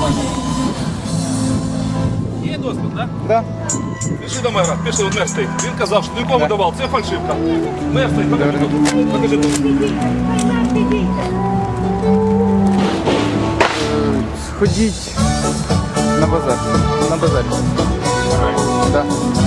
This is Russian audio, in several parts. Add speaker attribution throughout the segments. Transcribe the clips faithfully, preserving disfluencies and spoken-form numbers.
Speaker 1: Є дозвіл, так?
Speaker 2: Да.
Speaker 1: Пішли до мера, пішли, от мер стоїть. Він казав, що нікому давав, це фальшивка. Мер стоїть, покажи тут. Покажи тут.
Speaker 2: Сходіть на базар. На базарі. Да.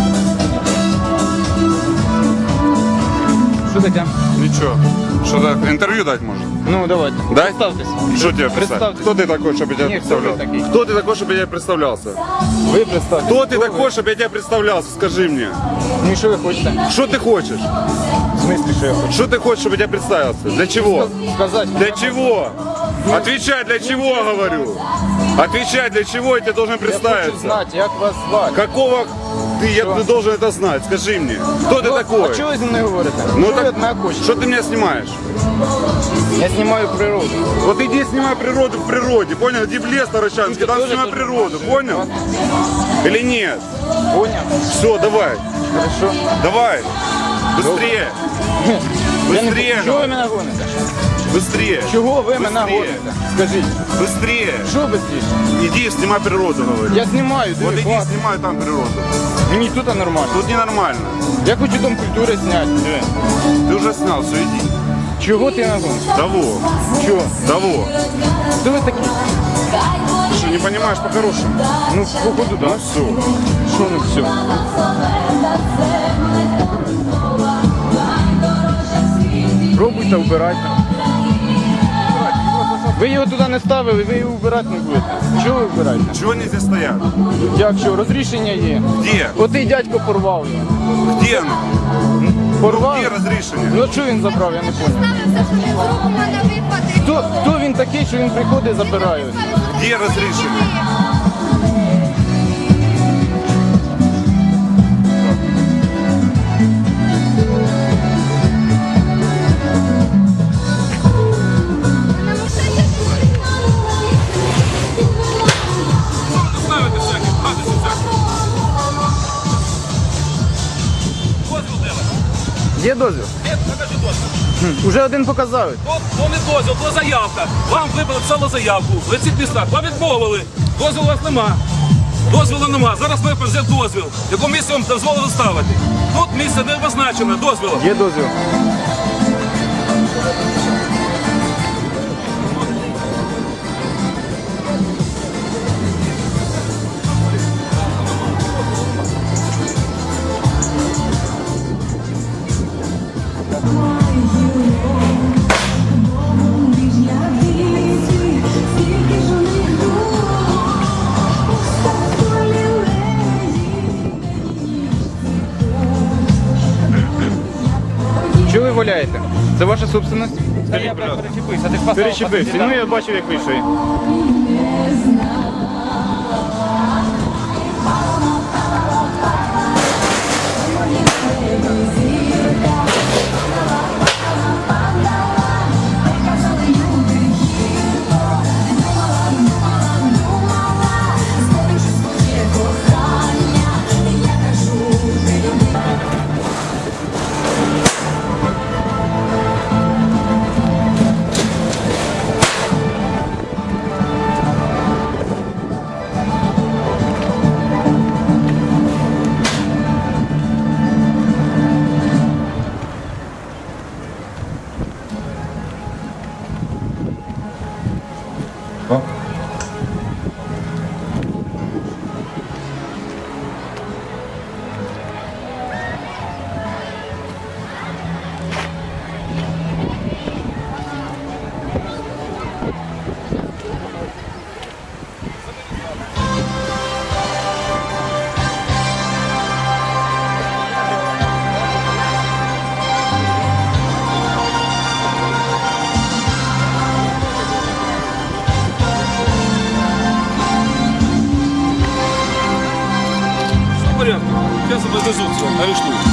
Speaker 2: Що таке?
Speaker 3: Ничего. Что так, интервью дать можно?
Speaker 2: Ну, давайте.
Speaker 3: Дай?
Speaker 2: Представтесь.
Speaker 3: Что тебе представить?
Speaker 2: Представьтесь.
Speaker 3: Кто ты такой, чтобы я тебя
Speaker 2: Нет, кто вы
Speaker 3: представлял?
Speaker 2: такие?
Speaker 3: Кто ты такой, чтобы я тебя представлялся?
Speaker 2: Ви представтесь.
Speaker 3: Кто ты такой, чтобы я тебя представлялся? Скажи мне.
Speaker 2: Ну і що ви хочете?
Speaker 3: Что ты хочешь?
Speaker 2: В смысле, що я хочу?
Speaker 3: Что ты хочешь, чтобы я тебя представился? Для чего?
Speaker 2: Сказати.
Speaker 3: Для чего? Отвечай, для чего, говорю. Отвечай, для чего я тебе должен
Speaker 2: Я хочу
Speaker 3: представиться.
Speaker 2: знати, як вас звати.
Speaker 3: Какого ты, я, ты должен это знать? Скажи мне. Кто ты
Speaker 2: Ну,
Speaker 3: такой?
Speaker 2: А чого ви зі мною говорите?
Speaker 3: Ну
Speaker 2: Що ви
Speaker 3: так,
Speaker 2: від мене хочете?
Speaker 3: что ты меня снимаешь?
Speaker 2: Я знімаю природу.
Speaker 3: Вот иди снимай природу в природе, понял? Иди в лес Таращанский, там
Speaker 2: Тоже
Speaker 3: снимай
Speaker 2: тоже
Speaker 3: природу,
Speaker 2: можете.
Speaker 3: понял? Или нет?
Speaker 2: Поняв?
Speaker 3: Все, давай,
Speaker 2: Хорошо.
Speaker 3: давай, быстрее,
Speaker 2: Я не-
Speaker 3: Быстрее,
Speaker 2: Чого ви
Speaker 3: ну.
Speaker 2: мене гоните?
Speaker 3: быстрее,
Speaker 2: Чого ви мене
Speaker 3: Быстрее.
Speaker 2: гоните? Скажіть.
Speaker 3: быстрее.
Speaker 2: Що швидше?
Speaker 3: Иди снимай природу, говорю.
Speaker 2: Я знімаю,
Speaker 3: Вот
Speaker 2: диви,
Speaker 3: иди
Speaker 2: клас.
Speaker 3: снимай там природу.
Speaker 2: Мені тут нормально.
Speaker 3: Тут ненормально.
Speaker 2: Я хочу дом культури зняти. Диви.
Speaker 3: Ты уже снял, все, иди.
Speaker 2: Чого ти нагониш?
Speaker 3: Того,
Speaker 2: Чого?
Speaker 3: того.
Speaker 2: Хто ви такі?
Speaker 3: Ты что, не понимаешь по-хорошему?
Speaker 2: Ну, походу, да.
Speaker 3: Все.
Speaker 2: Що ну все? Пробуйте, вбирайте. Ви його туди не ставили, ви його вбирати не будете. Чого ви вбираєте?
Speaker 3: Чего они здесь стоят?
Speaker 2: Як що? Розрішення є.
Speaker 3: Где?
Speaker 2: Отий дядько порвав його.
Speaker 3: Где оно?
Speaker 2: Порвав?
Speaker 3: Где разрешение?
Speaker 2: Ну що він забрав, я не понял.
Speaker 4: Ставився, що ми зробимо на випадок.
Speaker 2: Хто, хто він такий, що він приходить і забирає?
Speaker 3: Где разрешение?
Speaker 1: Ставити всякі, гадості всякі. Дозвіл де ви?
Speaker 2: Є дозвіл?
Speaker 1: Є, покажи дозвіл.
Speaker 2: Уже один показали.
Speaker 1: То, то не дозвіл, то заявка. Вам виписали заявку. Ви в цих містах, вам відмовили. Дозвілу у вас нема. Дозвілу нема. Зараз ви взяв дозвіл. В якому місці вам дозволили ставити? Тут місце не позначено дозвілом.
Speaker 2: Є дозвіл. Що ви валяєте? Це ваша собственность?
Speaker 1: Скажіть, будь ласка.
Speaker 2: Перечепився. Ну я бачив, як вийшов.
Speaker 1: Все в порядку. Сейчас везут, арештуют.